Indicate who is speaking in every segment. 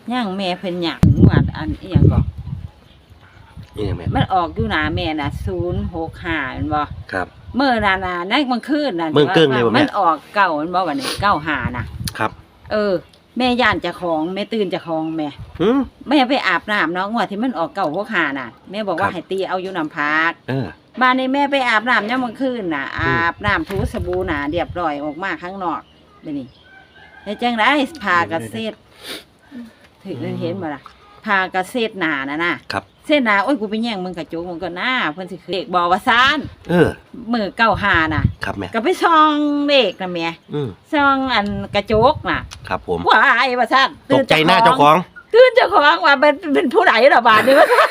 Speaker 1: ย่างแม่เพิ่นหยังงวดอันอีหยังก็
Speaker 2: นี่แม่
Speaker 1: มันออกอยู่หน้าแม่น่ะ065แม่นบ่
Speaker 2: ครับ
Speaker 1: เมื่อน่ะในกลางคืนน่ะ
Speaker 2: เมื่อเกิ้งเลยบ่แม่
Speaker 1: มันออกเก่ามันบ่บัดนี้95น่ะ
Speaker 2: ครับ
Speaker 1: แม่ย่านเจ้าของแม่ตื่นเจ้าของแม่
Speaker 2: หืม
Speaker 1: แม่ไปอาบน้ำเนาะงวดที่มันออก965น่ะแม่บอกว่า
Speaker 2: ครับ
Speaker 1: ให้ตีเอาอยู่น้ำพัก
Speaker 2: อ
Speaker 1: บ้านนี้แม่ไปอาบน้ำยามกลางคืนน่ะอาบน้ำถูสบู่น่ะเรียบร้อยออกมาข้างนอกเดี๋ยวนี้แล้วจังได๋พากระเซ็ดถึงเห็นบ่ล่ะพากระเซ็ดหน้าน่ะนะครับเส้นหน้าโอ้ยกูไปแย่งมึงกระจกมึงก็หน้าเพิ่นสิเลขบ่ว่าซ่าน มือ95น่ะ
Speaker 2: ครับแม่
Speaker 1: ก็ไปส่องเลขน่ะแม่ ส่องอันกระจกน่ะ
Speaker 2: ครับผม
Speaker 1: ว้ายว่าซั่น
Speaker 2: ตกใจหน้าเจ้าของ
Speaker 1: ตื่นเจ้าของว่าเป็นผู้ใดล่ะบาดนี้ว่าซั่น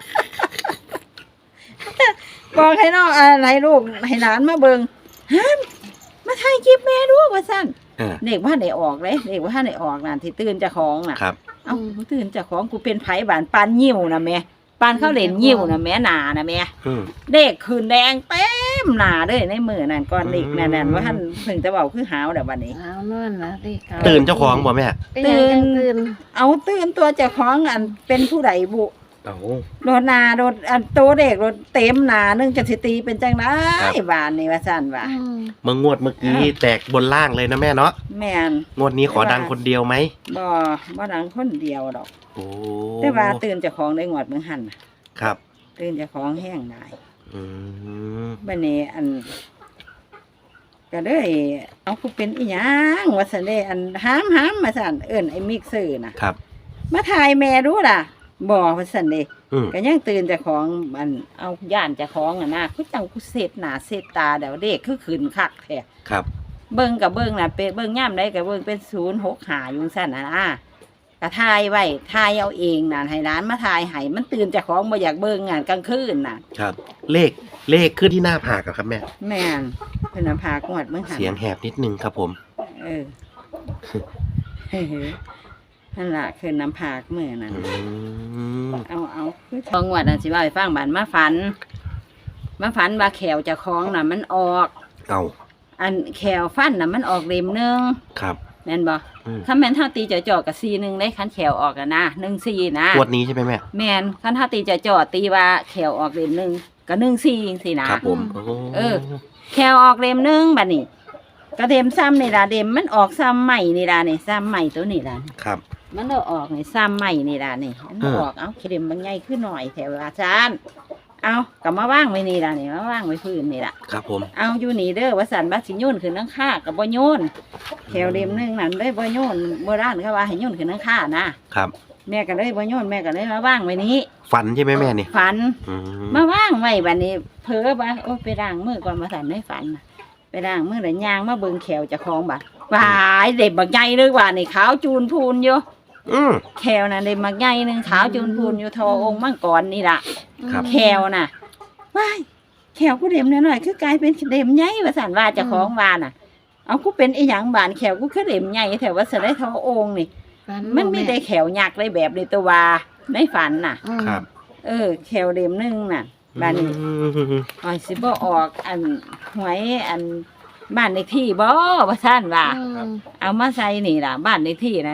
Speaker 1: บอกให้น้องอะไรลูกให้หลานมาเบิ่งฮันมาถ่ายคลิปแม่ดูว่าซั่นเด็กว่าได้ออกเลยเด็กว่าได้ออกนั่นที่ตื่นเจ้าของน่ะ
Speaker 2: ครับ
Speaker 1: เอ้าตื่นเจ้าของกูเป็นไผบ้านปานยิ้วน่ะแม่ปานเขาเล่นยิ้วน่ะแม่หน้าน่ะแม่ เด็กคืนแดงเต็มหน้าเลยในมือนั่นก่อนเด็กนั่นว่าท่านถึงจะเบาคือหาวแต่วันนี้
Speaker 3: เอานอนนะดิเขา
Speaker 2: ตื่นเจ้าของบ่แม่
Speaker 1: ตื่น
Speaker 3: ตื่น
Speaker 1: เอาตื่นตัวเจ้าของอันเป็นผู้ใดบุ
Speaker 2: เอา
Speaker 1: โดนหนาโดนอันโตเด็กโดนเต็มหนานึงจะสิตีเป็นจังไดบานนี่ว่าสั่นว่า
Speaker 2: เมื่องวดเมื่อกี้แตกบนล่างเลยนะแม่เนาะ
Speaker 1: แม่น
Speaker 2: งวดนี้ขอดังคนเดียวไหม
Speaker 1: บ่ดังคนเดียวดอก
Speaker 2: โอ้
Speaker 1: แต่ว่าตื่นเจ้าของได้งวดเมืองหันน่ะ
Speaker 2: ครับ
Speaker 1: ตื่นเจ้าของแห้งได้
Speaker 2: อืม
Speaker 1: บัดนี้อันก็เลยเอากูเป็นอีหยังว่าซั่นเด้อันหามมาสั่นเอิ้นไอ้มิกซื่อน่ะ
Speaker 2: ครับ
Speaker 1: มาถ่ายแม่ดูล่ะบ่ว่าซั่นเด้
Speaker 2: อืม
Speaker 1: ก็ยังตื่นเจ้าของอันเอาย่านเจ้าของอ่ะนะคือจังกูเสร็จหน้าเสร็จตาเดี๋ยวเด็กคือขืนคักแท้
Speaker 2: ครับ
Speaker 1: เบิ่งกับเบิ่งน่ะเป็นเบิ่งย่ำได้กับเบิ่งเป็น065อยู่ซั่นน่ะนะก็ถ่ายไว้ถ่ายเอาเองน่ะให้ร้านมาถ่ายให้มันตื่นเจ้าของบ่อยากเบิ่งงานกลางคืนน่ะ
Speaker 2: ครับ เลขขึ้นที่หน้าผากอะครับแม่
Speaker 1: แม่นเพิ่นน่ะพากวดเบิ่งหัน
Speaker 2: เสียงแหบนิดนึงครับผม
Speaker 1: เออเฮ้ยนั่นล่ะคือน้ำผากมื้อนั้น
Speaker 2: อืม
Speaker 1: เอาคือทองวดน่ะสิว่าให้ฟังบ้านมาฝันว่าแขวเจ้าของน่ะมันออก
Speaker 2: เอา
Speaker 1: อันแขวฟันน่ะมันออกเล่มหนึง
Speaker 2: ครับ
Speaker 1: แม่นบ่
Speaker 2: อืม
Speaker 1: คันแม่นเฮาตีจ่อๆกับ4-1ได้คันแขวออกอะนะ1-4นะ
Speaker 2: งวดนี้ใช่ไหมแม่
Speaker 1: แม่นคันเฮาตีจ่อๆตีว่าแขวออกเล่มหนึงก็1-4จังซี่นะครับ
Speaker 2: ผมโอ้
Speaker 1: เออ แขวออกเล่มหนึงบัดนี้ก็เล่มซ้ำนี่ล่ะเล่มมันออกซ้ำใหม่นี่ล่ะนี่ซ้ำใหม่ตัวนี้ล่ะ
Speaker 2: ครับ
Speaker 1: มันเอาออกนี่ซ้ำใหม่นี่ล่ะนี่มันเอาออกเอาเข็มบางใหญ่ขึ้นหน่อยแถวอาจารย์เอากลับมาว่างไว้นี่ล่ะนี่มาว่างไว้พื้นนี่ล่ะ
Speaker 2: ครับผม
Speaker 1: เอาอยู่นี่เด้อว่าสันบัดสิโยนขึ้นนังค่ากับบ่โยนแถวเล่มหนึงนั่นเลยบ่โยนโบราณเขาว่าให้โยนขึ้นนังค่านะครับ แม่ก็เลยบ่โยนแม่ก็เลยมาว่างไว้นี้
Speaker 2: ฝันใช่ไหมแม่นี่
Speaker 1: ฝัน
Speaker 2: อืม
Speaker 1: มาว่างไว้บัดนี้เผลอว่าโอ้ยไปล้างมือก่อนมาสั่นในฝันน่ะไปล้างมือแล้วย่างมาเบิ่งแขวเจ้าของบัดวายเด็บบักใหญ่เลยว่านี่ขาวจูนพูนอยู่
Speaker 2: อืม
Speaker 1: แควน่ะเด็บบักใหญ่หนึงขาวจูนพูนอยู่ทอองค์มังกรนี่ล่ะ
Speaker 2: ครับ
Speaker 1: แขวน่ะว้ายแขวกูเด็มหน่อยๆคือกลายเป็นเด็มใหญ่ว่าสั่นว่าเจ้าของว่าน่ะ เอากูเป็นอีหยังบานแขวกูคือเด็มใหญ่แถวว่าสะได้ทอองค์นี่ มันไม่ได้แขวยักษ์เลยแบบในตัวว่าในฝันน่ะ
Speaker 2: ครับ
Speaker 1: แขวเด็มหนึงน่ะบ้านนี้
Speaker 2: อืม
Speaker 1: อ๋อสิบ่ออกอันหวยอันบ้านเลขที่บ่ว่าซั่นว่า เอามาใส่นี่ล่ะ บ้านเลขที่น่ะ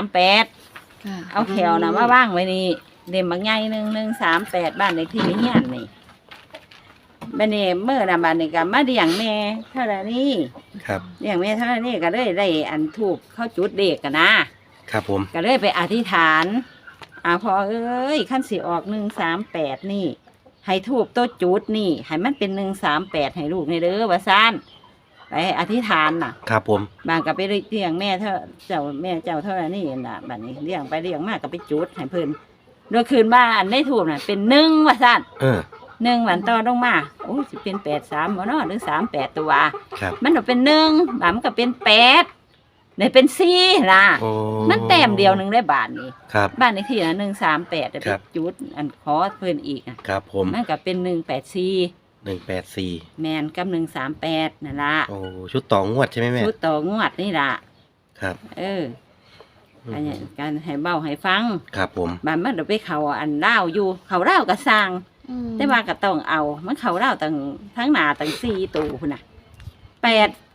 Speaker 1: 138เอาแขวน่ะมาว่างไว้นี่เด็มบางใหญ่138บ้านเลขที่เฮียนนี่บัดนี้เมื่อน่ะบัดนี้ก็มาเลี้ยงแม่เท่านี้
Speaker 2: ครับ
Speaker 1: เลี้ยงแม่เท่านี้ก็เลยได้อันทูบเข้าจุดเด็กกันนะครับ
Speaker 2: ผม
Speaker 1: ก็เลยไปอธิษฐานพอเอ้ยขั้นสิออก138นี่ให้ทูบโต๊ะจุดนี่ให้มันเป็น138ให้ลูกในเด้อว่าซั่นไปอธิษฐานน่ะ
Speaker 2: ครับผม
Speaker 1: บางก็ไปเลี้ยงแม่เท่าเจ้าแม่เจ้าเท่านี้น่ะบัดนี้เลี้ยงไปเลี้ยงมาก็ไปจุดให้เพิ่นโดยคืนบ้านในทูบน่ะเป็น1ว่าซั่น 1วันต่อลงมาโอ้สิเป็น83บ่เนาะหรือ38ตัว
Speaker 2: ครับ
Speaker 1: มันก็เป็น1บาดมันก็เป็น8ได้เป็น4ล่ะ
Speaker 2: โอ้
Speaker 1: มันแต้มเดียวหนึงได้บาทนี่
Speaker 2: ครับ
Speaker 1: บ้านเลขที่น่ะ138ได้
Speaker 2: ค
Speaker 1: ไป
Speaker 2: รับ
Speaker 1: จุดอันขอเพิ่นอีกอ่ะ
Speaker 2: ครับผม
Speaker 1: มันก็เป็น184
Speaker 2: 184
Speaker 1: แม่นกับ138นั่นล่ะ
Speaker 2: โอ้ชุดต่องวดใช่ไหมแม่
Speaker 1: ชุดต่องวดนี่ล่ะ
Speaker 2: ครับ
Speaker 1: อันนี้การให้เบ้าให้ฟัง
Speaker 2: ครับผม
Speaker 1: บ้านมันเดี๋ยวไปเขาอันเล่าวอยู่เขาเล่าวก็สร้าง แต่ว่าก็ต้องเอา มันเขาเล่าวตั้งทั้งหน้าตั้ง4ตู้พุ่นน่ะ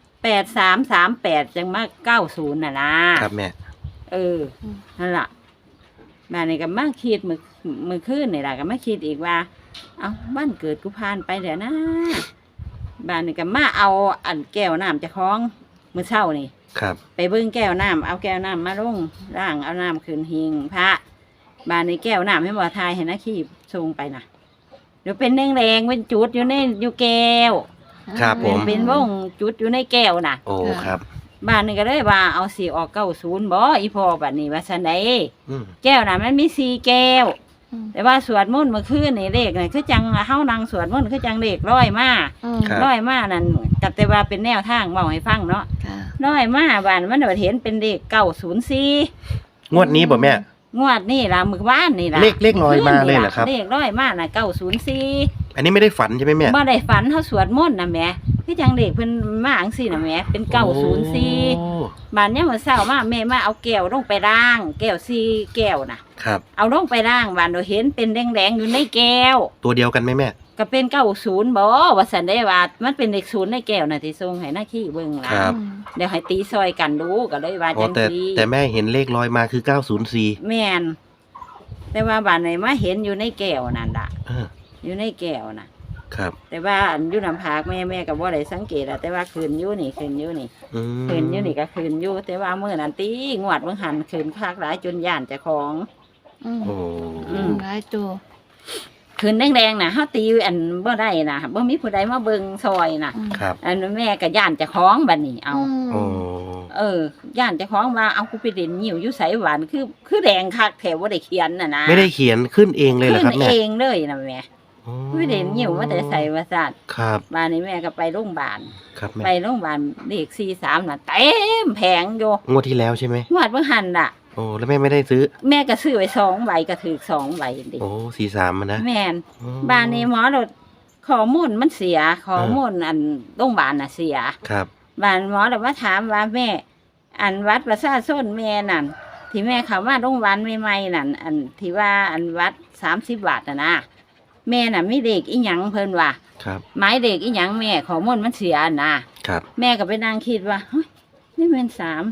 Speaker 1: 8338จังมา90น่ะนะครับ
Speaker 2: แม่
Speaker 1: นั่นล่ะบ้านนี้ก็มาคิดมือคืนนี่ล่ะก็มาคิดอีกว่า เอาบ้านเกิดกูผ่านไปเดี๋ยวนะบ้านนี้ก็มาเอาอันแก้วน้ำเจะคล้าของมื้อเช้านี่
Speaker 2: ครับ
Speaker 1: ไปเบิ่งแก้วน้ำเอาแก้วน้ำมาลงร่างเอาน้ำขึ้นหิงพระบ้านนี้แก้วน้ำให้บ่ทายให้นะขี้ส่งไปน่ะเดี๋ยวเป็นแดงๆเป็นจุดอยู่แก้ว
Speaker 2: ครับผม
Speaker 1: เป็นวงจุดอยู่ในแก้วน่ะ
Speaker 2: โอ้ครับ
Speaker 1: บ้านนี้ก็เลยว่าเอาสีออก90บ่อีพ่อบัดนี้ว่าซั่นใด
Speaker 2: อืม
Speaker 1: แก้วน่ะมันมี4แก้ว แต่ว่าสวดมนต์เมื่อคืนนี่เลขนี่คือจังเฮานั่งสวดมนต์คือจังเลขร้อยมา
Speaker 2: ครับ
Speaker 1: ร้อยมานั่นก็แต่ว่าเป็นแนวทางเว้าให้ฟังเนาะ
Speaker 3: ค่ะ
Speaker 1: ร้อยมาบ้านมันก็เห็นเป็นเลข904
Speaker 2: งวดนี้บ่แม่
Speaker 1: งวดนี่ล่ะมื้อวานนี่ล่ะ
Speaker 2: เลขลอยมาเลยเหรอครับ
Speaker 1: เลขร้อยมาน่ะ904
Speaker 2: อันนี้ไม่ได้ฝันใช่ไหมแม่
Speaker 1: บ่ได้ฝันเฮาสวดมนต์น่ะแหมคือจังเลขเพิ่นมาจังซี่น่ะแหมเป็น904
Speaker 2: โอ้
Speaker 1: บ้านเนี่ยามมื้อเช้ามาแม่มาเอาแก้วลงไปล้าง แก้ว4แก้วน่ะ
Speaker 2: ครับ
Speaker 1: เอาลงไปล้างบ้านเราเห็นเป็นแดงๆอยู่ในแก้ว
Speaker 2: ตัวเดียวกันไหมแม่
Speaker 1: ก็เป็น90บ่ว่าซั่นได้ว่ามันเป็นเลข0ในแก้วน่ะที่ส่งให้หน้าขี้เบิ่งล่ะ
Speaker 2: ครับ
Speaker 1: เดี๋ยวให้ตีซอยกันดูก็เลยว่า
Speaker 2: อ๋อ
Speaker 1: จัง
Speaker 2: แต่
Speaker 1: ซี่
Speaker 2: แต่แม่เห็นเลขลอยมาคือ904
Speaker 1: แม่นแต่ว่าบ้านไหนมาเห็นอยู่ในแก้วนั่นล่ะ
Speaker 2: เออ
Speaker 1: อยู่ในแก้วน่ะ
Speaker 2: ครับ
Speaker 1: แต่ว่าอันอยู่น้ำผากแม่ก็บ่ได้สังเกตอะแต่ว่าคืนอยู่นี่คืนอยู่นี่
Speaker 2: อืม
Speaker 1: คืนอยู่นี่ก็คืนอยู่ แต่ว่ามื้อนั้นตีงวดเบิ่งหันคืนคักหลายจนย่านเจ้าของ
Speaker 2: โอ้
Speaker 3: หลายตัว
Speaker 1: คืนแดงๆน่ะเฮาตีอันบ่ได้น่ะบ่มีผู้ใดมาเบิ่งซอยน่ะ
Speaker 2: ครับ
Speaker 1: อันแม่ก็ย่านเจ้าของบัดนี้เอา
Speaker 2: โอ้
Speaker 1: ย่านเจ้าของว่าเอากูไปเด่นหิวอยู่ไสหวานคือแดงคักแถวบ่ได้เขียนน่ะนะ
Speaker 2: ไม่ได้เขียนขึ้นเองเลยเหรอ
Speaker 1: ขึ้
Speaker 2: ครับ
Speaker 1: น
Speaker 2: แม่
Speaker 1: เองเลยน่ะแม่
Speaker 2: โอ้
Speaker 1: ไม่เด่นหิวว่าแต่ใส่ว่าซั่น
Speaker 2: ครับ
Speaker 1: บ้านนี้แม่ก็ไปโรงพยาบาล
Speaker 2: ครับแม่
Speaker 1: ไปโรงพยาบาลเลข43น่ะเต็มแผงอยู่
Speaker 2: งวดที่แล้วใช่ไหม
Speaker 1: งวดเบิ่งหันน่ะ
Speaker 2: โอ้แล้วแม่ไม่ได้ซื้อ
Speaker 1: แม่ก็ซื้อไว้2ใบก็ถูก2ใบดิ
Speaker 2: โอ้43มันนะ
Speaker 1: แม่น
Speaker 2: โอ้
Speaker 1: บ้านนี้หมอรถข้อมูลมันเสียข้อมูลอันโรงพยาบาลน่ะเสีย
Speaker 2: ครับ
Speaker 1: บ้านหมอเลยมาถามว่าแม่ อันวัดประชาชนแม่นั่นที่แม่เขามาโรงพยาบาลใหม่ๆนั่นอันที่ว่าอันวัด30 บาทนะแม่น่ะมีเด็กอีหยังเพิ่นว่า
Speaker 2: ครับ
Speaker 1: หมายเด็กอีหยังแม่ข้อมูลมันเสียนะครับ แม่ก็ไปนั่งคิดว่าเฮ้ยนี่มัน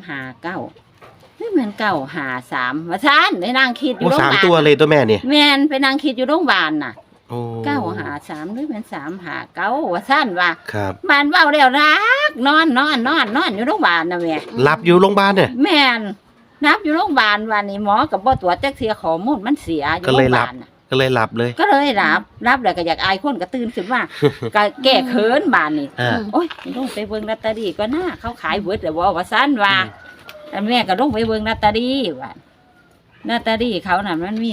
Speaker 1: 359นี่มัน953ว่าซั่นได้นั่งคิดอ
Speaker 2: โอ้
Speaker 1: ยู่โรงพ
Speaker 2: สาม
Speaker 1: ยาบาล
Speaker 2: ตัวเลยตัวแม่เนี่ย
Speaker 1: แม่นไปนั่งคิดอยู่โรงพยาบาลน่ะ
Speaker 2: โอ้
Speaker 1: 953นี่มัน359ว่าซั่นว่า
Speaker 2: ครับ
Speaker 1: บ้านเว้าแล้วรักนอนอยู่โรงพยาบาลน่ะแม่
Speaker 2: หลับอยู่โรงพยาบาลเนี่ย
Speaker 1: แม่นนับอยู่โรงพยาบาลวันนี้หมอกับบ่ตรวจจักเสียข้อมูลมันเสียอยู่
Speaker 2: ก็
Speaker 1: โร
Speaker 2: เลย
Speaker 1: งพ
Speaker 2: หลั
Speaker 1: ยา
Speaker 2: บ
Speaker 1: บาลน่ะ
Speaker 2: ก็เลยหลับเลย
Speaker 1: ก็เลยรับแล้วก็อยากอายคนก็ตื่นขึ้นมา ก็แก้เขินบานนี่
Speaker 2: อ่า
Speaker 1: โอ้ยลงไปเบิ่งลอตเตอรี่ก็น่าเขาขายเบิดแล้วบ่ว่าซั่นว่าแต่แม่ก็ลงไปเบิ่งลอตเตอรี่ว่าลอตเตอรี่เขาน่ะมันมี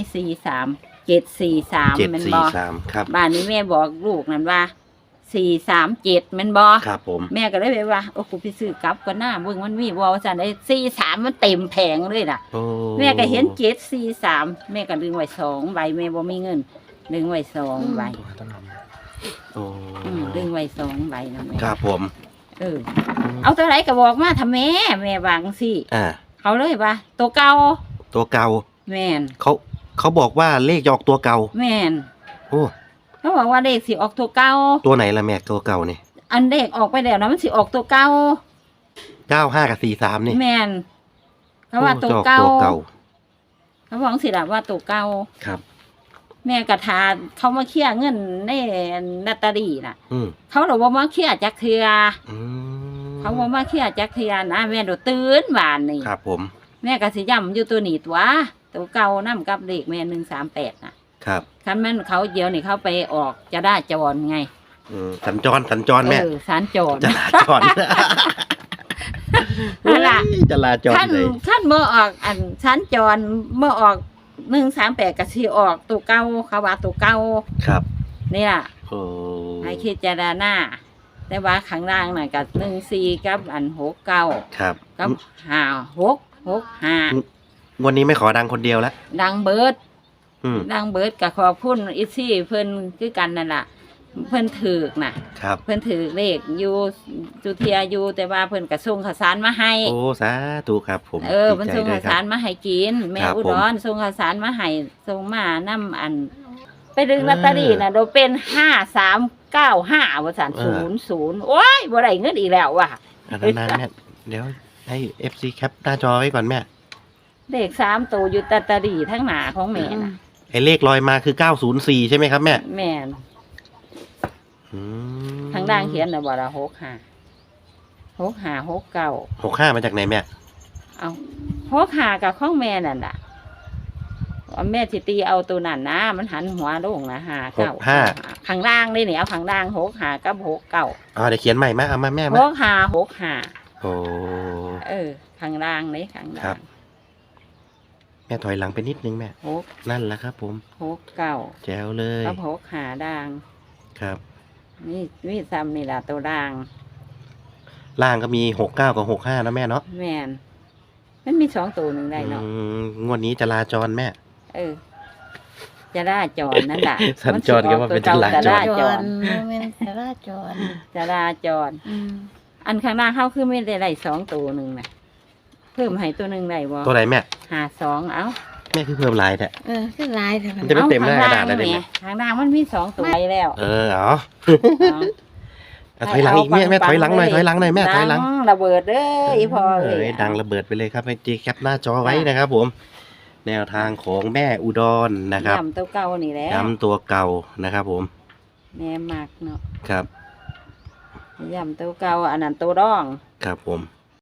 Speaker 1: 743แม่นบ่
Speaker 2: 743ครับ
Speaker 1: บ้านนี้แม่บอกลูกนั่นว่า437แม่นบ่
Speaker 2: ครับผม
Speaker 1: แม่ก็เลยไปว่าโอ้กูไปซื้อกลับก็น่าเบิ่งมันมีบ่ว่าซั่นได้43มันเต็มแผงเลยน่ะ
Speaker 2: โอ้
Speaker 1: แม่ก็เห็น743แม่ก็ดึงไว้2ใบแม่บ่มีเงิน ดึงไว้2ใบ
Speaker 2: โอ้
Speaker 1: ดึงไว้2ใบนะแม่
Speaker 2: ครับผม
Speaker 1: เอาตัวไหนก็บอกมาถ้าแม่วาจังซี่
Speaker 2: อ่า
Speaker 1: เขาเลยว่าตัวเก่า
Speaker 2: ตัวเก่า
Speaker 1: แม่น
Speaker 2: เขาบอกว่าเลขจะออกตัวเก่า
Speaker 1: แม่น
Speaker 2: โอ้
Speaker 1: เขาบอกว่าเลขสิออกตัวเก่า
Speaker 2: ตัวไหนล่ะแม่ตัวเก่านี่
Speaker 1: อันเลขออกไปแล้วนะมันสิออกตัวเก่า
Speaker 2: 95กับ43นี่
Speaker 1: แม่นเขาว่า
Speaker 2: โอ้
Speaker 1: ตัว
Speaker 2: จะออก
Speaker 1: เก่า
Speaker 2: ตัวเก่า
Speaker 1: เขาบอกสิล่ะว่าตัวเก่า
Speaker 2: ครับ
Speaker 1: แม่กระทาเขามาเคลียร์เงินในลอตเตอรี่น่ะ
Speaker 2: อืม
Speaker 1: เขาบอกว่ามาเคลียร์จักเทือ
Speaker 2: อืม
Speaker 1: เขาบอกมาเคลียร์จักเทือนะแม่โดดตื่นบานนี่
Speaker 2: ครับผม
Speaker 1: แม่ก็สิย่ำอยู่ตัวนี้ตัวเก่านํกับเลขแม่138น่ะ
Speaker 2: ครับ
Speaker 1: คันแม่นเขาเดียวนี่เขาไปออกจะได้จรไง
Speaker 2: สัญจรแม่
Speaker 1: สารจร
Speaker 2: จราจร
Speaker 1: นั่นล่ะ
Speaker 2: จราจร
Speaker 1: ขั้น
Speaker 2: เลย
Speaker 1: ขั้นเมื่อออกอันชั้นจรเมื่อออก138ก็สิออกตัวเก่าเขาว่าตัวเก่า
Speaker 2: ครับ
Speaker 1: นี่ล่ะ
Speaker 2: โอ้
Speaker 1: ให้คิดจารณาแต่ว่าข้างล่างน่ะกับ14กับอัน69
Speaker 2: ครับ
Speaker 1: กับ5665
Speaker 2: วันนี้ไม่ขอดังคนเดียวแล้ว
Speaker 1: ดังเบิด
Speaker 2: อืม
Speaker 1: ดังเบิดก็ขอบคุณอีซี่เพิ่นคือกันนั่นล่ะเพิ่นถือกน่ะ
Speaker 2: ครับ
Speaker 1: เพิ่นถือเลขอยู่จุเทียอยู่แต่ว่าเพิ่นก็ส่งข้าวสารมาให้
Speaker 2: โอ้สาธุครับผม
Speaker 1: เพิ่น
Speaker 2: ดีใจ
Speaker 1: ส่ง
Speaker 2: ด้ว
Speaker 1: ข้า
Speaker 2: ยว ค
Speaker 1: สา
Speaker 2: รับ
Speaker 1: รมาให้กิน แม่
Speaker 2: ครับ
Speaker 1: อุ
Speaker 2: ผม
Speaker 1: ดรส่งข้าวสารมาให้ส่งมานํอัน ไปดึงลอตเตอรี่น่ะโดยเป็น5395ว่าซั่น00โอ้ยบ่ได้เงินอีกแล้วว่ะ
Speaker 2: อันนั้นแม่เดี๋ยวให้ FC แคปหน้าจอไว้ก่อนแม่
Speaker 1: เลข3ตัวอยู่ตาตาดีทั้งหน้าของแม่น่ะ
Speaker 2: ไอ้เลขลอยมาคือ904ใช่ไหมครับแม่
Speaker 1: แม่น
Speaker 2: อืม
Speaker 1: ทางด่างเขียนน่ะบ่ล่ะ65
Speaker 2: 65มาจากไหนแม่
Speaker 1: เอา65กับของแม่นั่นน่ะว่าแม่สิตีเอาตัวนั้นนะมันหันหัวลงนะ59ข้างล่างนี่นี่เอาข้างล่าง65กับ69
Speaker 2: อ๋อเดี๋ยวเขียนใหม่มาเอามาแม่มา
Speaker 1: 65
Speaker 2: โอ้
Speaker 1: ข้างล่างนี่ข้าง
Speaker 2: ครั
Speaker 1: ล่า
Speaker 2: บ
Speaker 1: ง
Speaker 2: แม่ถอยหลังไปนิดนึงแม่ นั่นแหละครับผม
Speaker 1: 69
Speaker 2: แจ๋วเลย
Speaker 1: กับ65ด่าง
Speaker 2: ครับ
Speaker 1: นี่ซ้ำนี่ล่ะตัวด่าง
Speaker 2: ล่างก็มี69กับ65นะแม่เนาะ
Speaker 1: แม่นมันมี2ตัวหนึงได้เนาะ
Speaker 2: งวดนี้จราจรแม่
Speaker 1: จะราจรนั่นแหละ
Speaker 2: สัญจรก็ว่าเป็นจราจร
Speaker 1: จราจร
Speaker 3: โมเมนต์จราจร
Speaker 1: จราจร อันข้างหน้าเขาคือไม่ได้ไล่2ตัวหนึ่งนะเพิ่มให้ตัวหนึ่งได้บ่
Speaker 2: ตัวไหนแม่
Speaker 1: 52เอ้า
Speaker 2: แม่คือเพิ่มลายแท้
Speaker 3: คือลายแต่
Speaker 2: มันจะ เต็มหน้ากระดาษเลย
Speaker 1: ข้ง
Speaker 2: เนี่ย
Speaker 1: ข้างหน้ามันมี2ตัวไว้แล้ว
Speaker 2: เอาถอยหลังอีกแม่ถอยหลังหน่อยถอยหลังหน่อยแม่ถอยหลัง
Speaker 1: ดัระเบิดเด้ออีพ่อเอ้ย
Speaker 2: ดังระเบิดไปเลยครับให้จีแคปหน้าจอไว้นะครับผม แนวทางของแม่อุดรนะครับ
Speaker 1: ย้ำตัวเก่านี่แหละ
Speaker 2: ย้ำตัวเก่านะครับผม
Speaker 1: แม่มักเนาะ
Speaker 2: ครับ
Speaker 1: ย้ำตัวเก่าอันนั้นตัวร่อง
Speaker 2: ครับผม